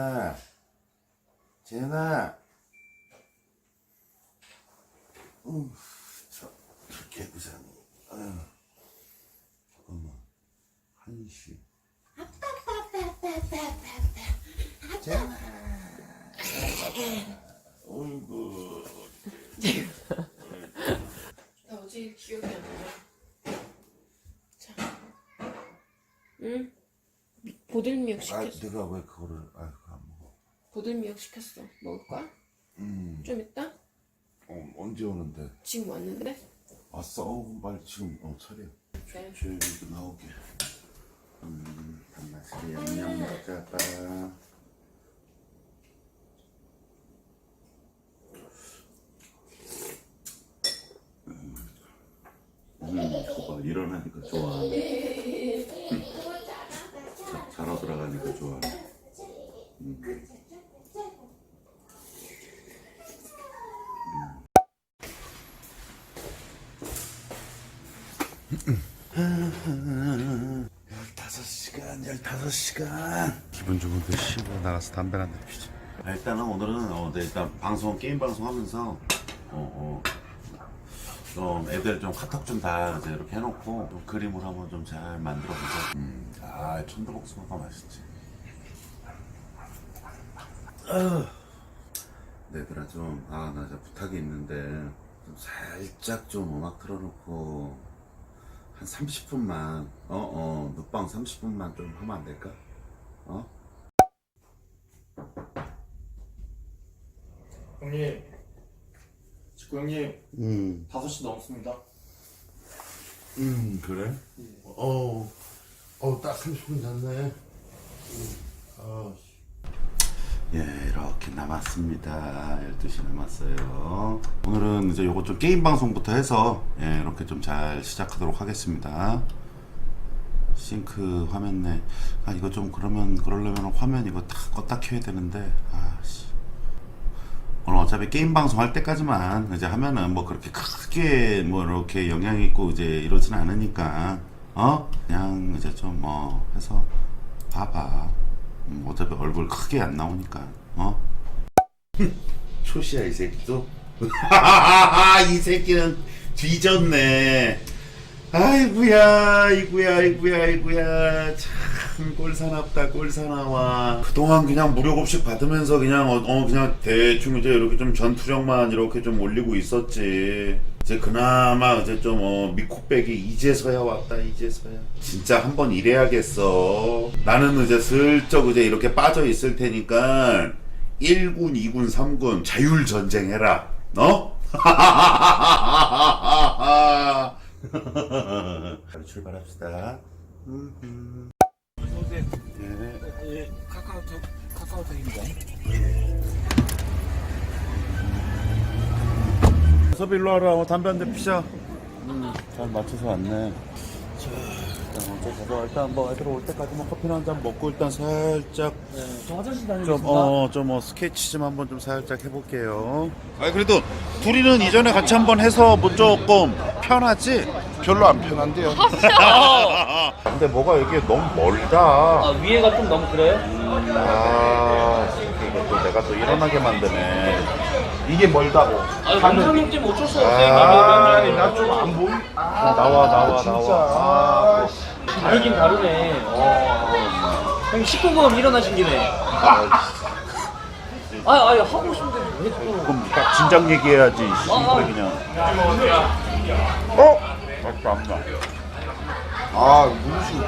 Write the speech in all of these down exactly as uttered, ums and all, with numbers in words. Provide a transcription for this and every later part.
재현아, 재현아. 음, 저, 저 개구장이. 아유, 잠깐만. 한시. 재현아. 어이구. 나 어제 기억이 안 나. 자, 응? 보들미역 아, 시켰어. 내가 왜 그거를, 아, 그거 안 먹어. 보들미역 시켰어. 먹을 거야? 음, 좀 이따? 어, 언제 오는데? 지금 왔는데? 왔어? 어, 빨리 지금, 어, 차려. 네. 조용히도 나오게. 음, 단맛이 양념 먹자다. 음, 저거 일어나니까 좋아. 자, 자러 들어가니까 좋아. 음. 열다섯 시간, 열다섯 시간. 기분 좋은데 쉬고 나가서 담배 한 대 피자. 아, 일단은 오늘은 어, 네, 일단 방송 게임 방송 하면서 어, 어, 좀 애들 좀 카톡 좀 다 이제 이렇게 해놓고 좀 그림을 한번 좀 잘 만들어 보자. 음, 아 천도복숭아가 맛있지. 아, 얘들아 좀 아 나 진짜 부탁이 있는데 좀 살짝 좀 음악 틀어놓고 한 삼십 분만 어어 눕방 삼십 분만 좀 하면 안 될까? 어? 형님, 직구 형님, 음, 다섯 시 넘었습니다. 음 그래? 어, 어, 딱 삼십 분 잤네. 아, 예, 이렇게 남았습니다. 열두 시 남았어요. 오늘은 이제 요거 좀 게임 방송부터 해서 예, 이렇게 좀 잘 시작하도록 하겠습니다. 싱크 화면 내. 아, 이거 좀 그러면 그러려면 화면 이거 다 껐다 켜야 되는데. 아, 씨. 오늘 어차피 게임 방송 할 때까지만 이제 하면은 뭐 그렇게 크게 뭐 이렇게 영향 있고 이제 이러진 않으니까 어 그냥 이제 좀 뭐 해서 봐봐. 음, 어차피 얼굴 크게 안 나오니까 어 초시야 이 새끼도. 이 새끼는 뒤졌네. 아이구야 아이구야 아이구야 아이구야 참 꼴사납다 꼴사나와. 그동안 그냥 무료급식 받으면서 그냥 어, 어 그냥 대충 이제 이렇게 좀 전투력만 이렇게 좀 올리고 있었지. 이제 그나마 이제 좀 어 미코백이 이제서야 왔다 이제서야. 진짜 한번 일해야겠어. 나는 이제 슬쩍 이제 이렇게 빠져 있을 테니까 일 군, 이 군, 삼 군 자율전쟁 해라. 너? 출발합시다. 어서오세요. 네. 예, 카카오톡, 카카오톡입니다. 섭이 일로 와라. 어, 담배 한 대 피자. 음, 잘 맞춰서 왔네. 자, 일단 먼저 가서 일단 뭐 애들 올 때까지 뭐 커피나 한 잔 먹고 일단 살짝 네, 저 화장실 다니고 좀, 어, 좀, 뭐, 스케치 좀 한번 좀 살짝 해볼게요. 아니, 그래도, 둘이는 이전에 같이 한번 해서 뭐 조금 편하지? 별로 안 편한데요. 근데 뭐가 이게 너무 멀다. 아, 위에가 좀 너무 그래요? 아, 이거 또 내가 또 일어나게 만드네. 이게 멀다고. 아, 원장님 때문에 어쩔 수 없어요. 아, 이게 나 좀 안 보이. 아, 나와, 나와, 진짜. 나와. 아, 다르긴 다르네. 어. 형님 십구 금 일어나신 김에. 아, 아, 하고 싶은데 왜 또. 그럼 딱 진작 얘기해야지. 씨발 그냥. 어? 맞다, 안 나. 아, 무슨.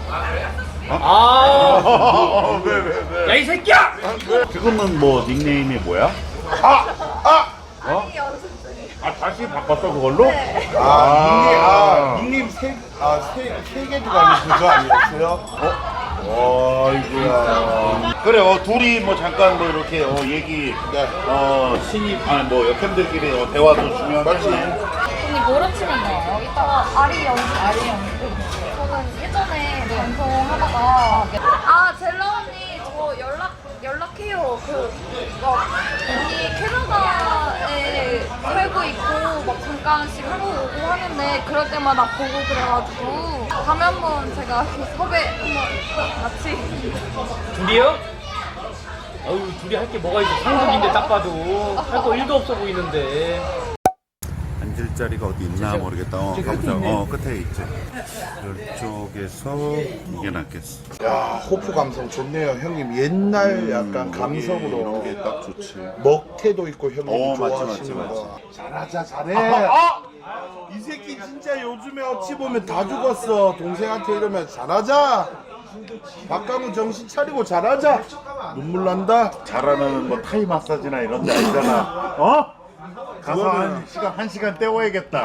아, 왜, 왜, 왜? 야, 이 새끼야! 지금은 뭐 닉네임이 뭐야? 아! 아! 어? 아, 다시 바꿨어, 그걸로? 아, 닉네임, 아, 닉네임 세, 아, 세, 세 개 들어가는 그거 아니었어요? 어? 아이고야. 그래, 어, 둘이 뭐 잠깐 뭐 이렇게 어, 얘기, 네. 어, 신입, 아니 뭐 역캠들끼리 어, 대화도 중요하지. 언니 뭐로 치면 나와요? 이따가 아리 연습. 아리 연습. 저는 예전에 방송하다가 아 젤라 언니 저 연락 연락해요. 그막 언니 캐나다에 살고 있고 막 잠깐씩 한국 오고 하는데 그럴 때마다 보고 그래가지고 다음에 한번 제가 섭외 한번 같이. 둘이요? 어휴 둘이 할 게 뭐가 있어. 상속인데 딱 봐도 할 거 일도 없어 보이는데. 앉을 자리가 어디 있나 모르겠다. 어, 저기 가보자. 끝에 있네. 어, 끝에 있지. 이쪽에서 이게 낫겠어. 야, 호프 감성 좋네요, 형님. 옛날 약간 감성으로. 이런 게 딱 좋지. 먹태도 있고 형님 어, 맞지, 좋아하시는 맞지, 거. 잘하자, 잘해. 이 새끼 진짜 요즘에 어찌 보면 다 죽었어. 동생한테 이러면 잘하자. 박강우 정신 차리고 잘하자. 눈물 난다. 잘하는 뭐 타이 마사지나 이런 데 아니잖아. 어? 가서 그거는- 한 시간 한 시간 때워야겠다.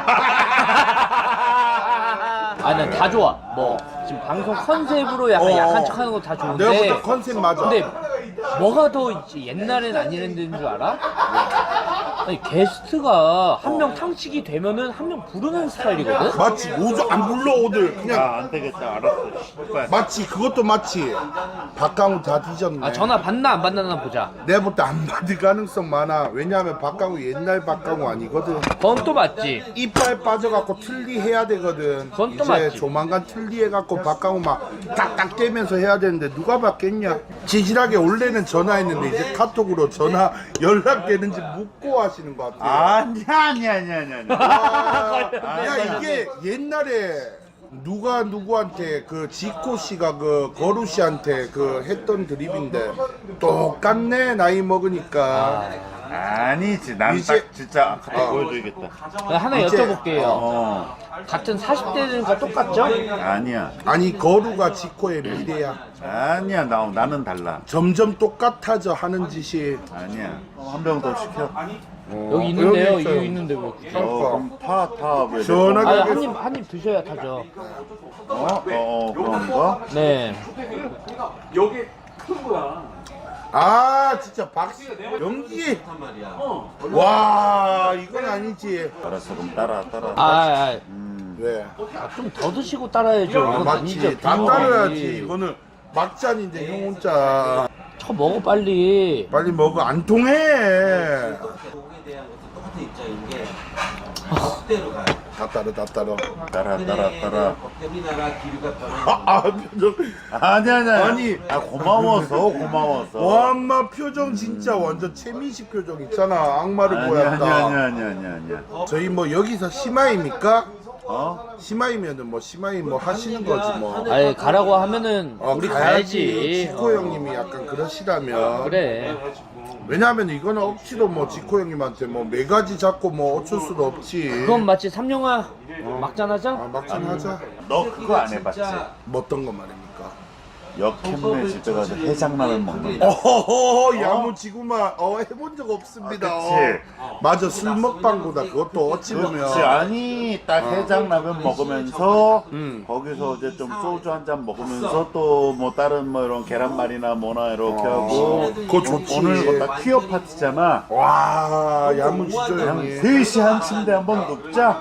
아, 난 다 좋아. 뭐 지금 방송 컨셉으로 약간 어. 약한 척하는 거 다 좋은데. 내가 볼 때 컨셉 맞아. 근데 뭐가 더 있지? 옛날엔 안 이랬는 줄 알아? 아니 게스트가 한 명 탕치기 되면은 한 명 부르는 스타일이거든. 마치 오조 안 불러 오들 그냥 아, 안 되겠다. 알았어. 씨발. 마치 그것도 마치 박강우 다 뒤졌네. 아 전화 받나 안 받나 보자. 내가 볼 때 안 받을 가능성 많아. 왜냐하면 박강우 옛날 박강우 아니거든. 그건 또 맞지. 이빨 빠져갖고 틀리 해야 되거든. 그건 또 이제 맞지. 조만간 틀리 해갖고 박강우 막 딱딱 떼면서 해야 되는데 누가 받겠냐. 지질하게 원래는 전화했는데 이제 카톡으로 전화 연락되는지 묻고 하시는 것 같아요. 아니야, 아니야, 아니야, 아니야. 아니야. 아, 야 이게 옛날에 누가 누구한테 그 지코 씨가 그 거루 씨한테 그 했던 드립인데 똑같네 나이 먹으니까. 아니지. 난 이제- 딱 진짜 갖다 어. 보여줘야겠다. 나 하나 이제- 여쭤볼게요. 어. 같은 사십 대들과 똑같죠? 아니야. 아니 거루가 지코의 미래야. 아니야. 나 나는 달라. 점점 똑같아져 하는 짓이. 아니야. 한 병 더 시켜. 어, 여기 있는데요. 여기 있어요. 여기 있는데 왜? 굳이? 어, 그럼 타, 타. 왜? 시원하게 아, 하겠- 한 입 한 입 드셔야 타죠. 어? 어, 어, 그런 거? 네. 아 진짜 박씨 연기. 와 이건 아니지. 알았어. 그럼 따라, 따라. 아, 아, 왜? 좀 더 드시고 따라야죠. 이건 아니죠. 맞지. 다 비용이. 따라야지. 이거는 막잔인데 형 혼자. 쳐 먹어 빨리. 빨리 먹어. 안 통해. 다 따라 다 따라. 따라, 따라, 따라. 아, 아 표정. 아니야, 아니야. 아니. 아, 고마워서, 고마워서. 와 엄마 표정 진짜 완전 최민식 표정 있잖아. 악마를 아니야, 보였다. 아니야, 아니야, 아니야, 아니야, 아니야. 저희 뭐 여기서 심화입니까? 어? 심화이면은 뭐 심화이 뭐 하시는 거지 뭐. 아예 가라고 하면은 어, 우리 가야지. 가야지. 지코 형님이 약간 그러시다면. 그래. 왜냐하면 이거는 억지로 뭐 지코 형님한테 뭐 매가지 잡고 뭐 어쩔 수도 없지. 그건 마치 삼룡아 막잔하자. 아 막상 하자. 너 그거 안 해봤지? 뭐 어떤 거 말입니까? 역캠네 집에 가서 해장라면 먹는 거. 어허허 야무지구만. 어 해본 적 없습니다. 아, 그치. 어. 맞아 술 먹방보다 그것도 어찌 보면. 그렇지. 아니 딱 해장라면 먹으면서 음. 거기서 이제 좀 소주 한 잔 먹으면서 또 뭐 다른 뭐 이런 계란말이나 뭐나 이렇게 어, 하고 그거 좋지. 오늘 그거 다 퀴어 파티잖아. 와 야무지죠 그냥 형님. 셋이 한 침대 한번 눕자.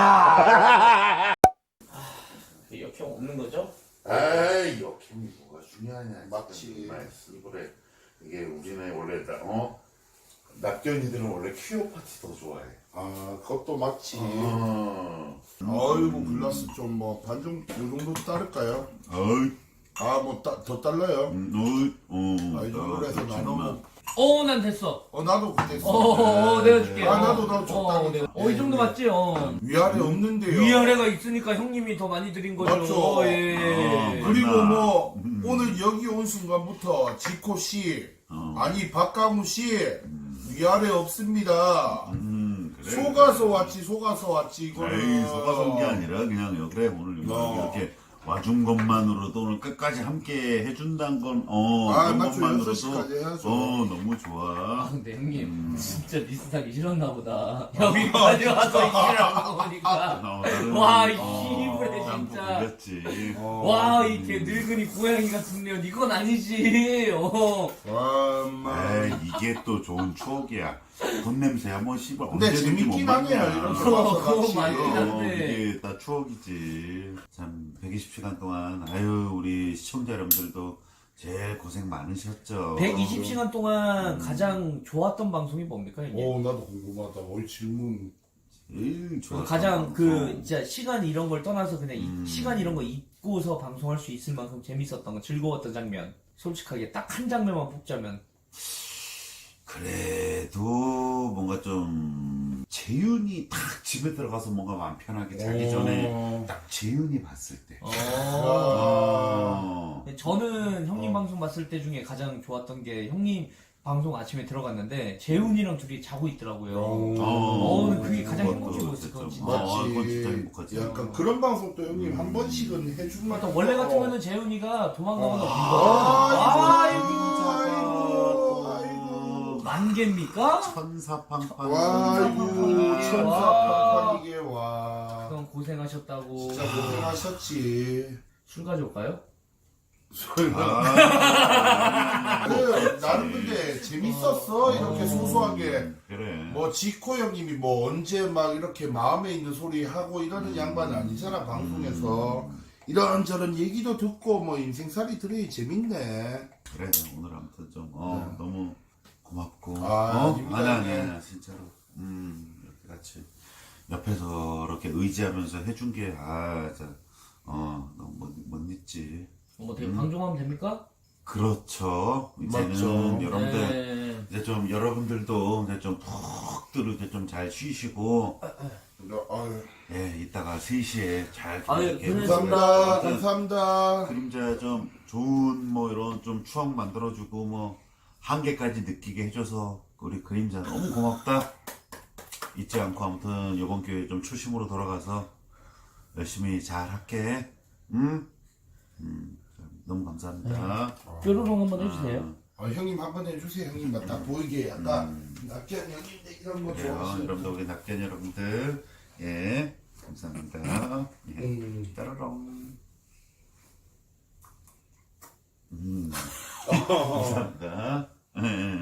역형 없는 거죠? 에이 역캠이 뭐가 중요하냐. 맞지. 그래. 이게 우리네 원래 다- 어 낙견이들은 원래 퀴어 파티 더 좋아해. 아 그것도 맞지. 어. 아이고 글라스 좀 뭐 반정 요 정도 따를까요? 어이. 아 뭐 더 달라요? 어이. 어. 아 이 정도로 해서 나눠. 어, 난 됐어. 어 나도 됐어. 어, 어, 어, 내가 줄게. 아 나도 나도 적당히. 어, 내가- 어, 이 정도 맞지? 어. 위아래 없는데요. 위아래가 있으니까 형님이 더 많이 드린 거죠. 맞죠. 예. 그리고 뭐 오늘 여기 온 순간부터 지코 씨 아니 박강우 씨 위아래 없습니다. 음, 그래. 속아서 왔지 속아서 왔지 이거는. 에이, 속아서 온 게 아니라 그냥 여- 그래 오늘 어. 이렇게 와준 것만으로도 오늘 끝까지 함께 해준다는 건 어, 아, 그런 맞죠. 것만으로도 여섯 시까지 해야죠. 어 너무 좋아. 근데 형님 진짜 리스하기 싫었나 보다. 여기까지 와서 이기라는 거 보니까 어, 나는, 와, 이 어, 씨부레 난 진짜. 보겠지. 와, 이게 늙은이 고양이 같은 년 이건 아니지. 어. 와 엄마. 에이, 이게 또 좋은 추억이야. 돈 냄새야 뭐 씨발 근데 언제든지 못 재밌긴 먹냐. 하네요, 이런 거. 그거 그거 같이. 맞긴 어, 한데. 이게 다 추억이지. 참 백이십 시간 동안 아유 우리 시청자 여러분들도 제일 고생 많으셨죠. 백이십 시간 동안 가장 좋았던 방송이 뭡니까, 형님? 오 나도 궁금하다. 올 질문. 제일 좋았던 가장 그 방송. 진짜 시간 이런 걸 떠나서 그냥 이- 음. 시간 이런 거 잊고서 방송할 수 있을 만큼 재밌었던 거, 즐거웠던 장면. 솔직하게 딱 한 장면만 뽑자면 그래도 뭔가 좀 재윤이 딱 집에 들어가서 뭔가 마음 편하게 자기 전에 딱 재윤이 봤을 때. 어. 어. 저는 형님 방송 봤을 때 중에 가장 좋았던 게 형님 방송 아침에 들어갔는데 재훈이랑 둘이 자고 있더라고요. 어, 그게 가장 행복해 보였을 것 같아요. 아, 그건 진짜 행복하지. 약간 그런 방송 또 형님 한 번씩은 해주면. 또 원래 같으면은 재훈이가 도망가거나 아이고, 아이고, 아이고, 아이고. 만개입니까? 천사팡팡. 와, 아이고, 천사팡팡이게 와. 그럼 고생하셨다고. 진짜 고생하셨지. 술 가져올까요? 아, 그, 나는 근데 재밌었어. 이렇게 소소하게. 그래. 뭐 지코 형님이 뭐 언제 막 이렇게 마음에 있는 소리 하고 이러는 양반 아니잖아 방송에서. 이런저런 얘기도 듣고 뭐 인생살이 들으니 재밌네. 그래, 오늘 아무튼 좀, 어, 네. 너무 고맙고. 아, 어? 아닙니다. 아니, 아니, 아니, 진짜로. 음, 이렇게 같이 옆에서 이렇게 의지하면서 해준 게, 아, 진짜, 어, 너무 못, 못 잊지. 뭐 어떻게 방종하면 됩니까? 그렇죠. 이제는 맞죠. 여러분들, 네. 이제 좀 여러분들도 이제 좀 푹 들으게 좀 잘 쉬시고, 아유, 예, 이따가 세 시에 잘 아유, 이렇게 고생했습니다. 감사합니다. 아무튼 감사합니다. 그림자 좀 좋은 뭐 이런 좀 추억 만들어주고 뭐 한계까지 느끼게 해줘서 우리 그림자 너무 고맙다. 잊지 않고 아무튼 이번 기회에 좀 초심으로 돌아가서 열심히 잘 할게. 응? 음, 너무 감사합니다. 뾰로롱 한번 해주세요. 아, 형님 한번 해주세요. 형님 딱 보이게 약간 낙견 형님들 이런 거 그래요. 좋아하시는. 여러분들 우리 낙견 여러분들 예 감사합니다. 예. 음. 따라롱. 음. 감사합니다. 예, 예.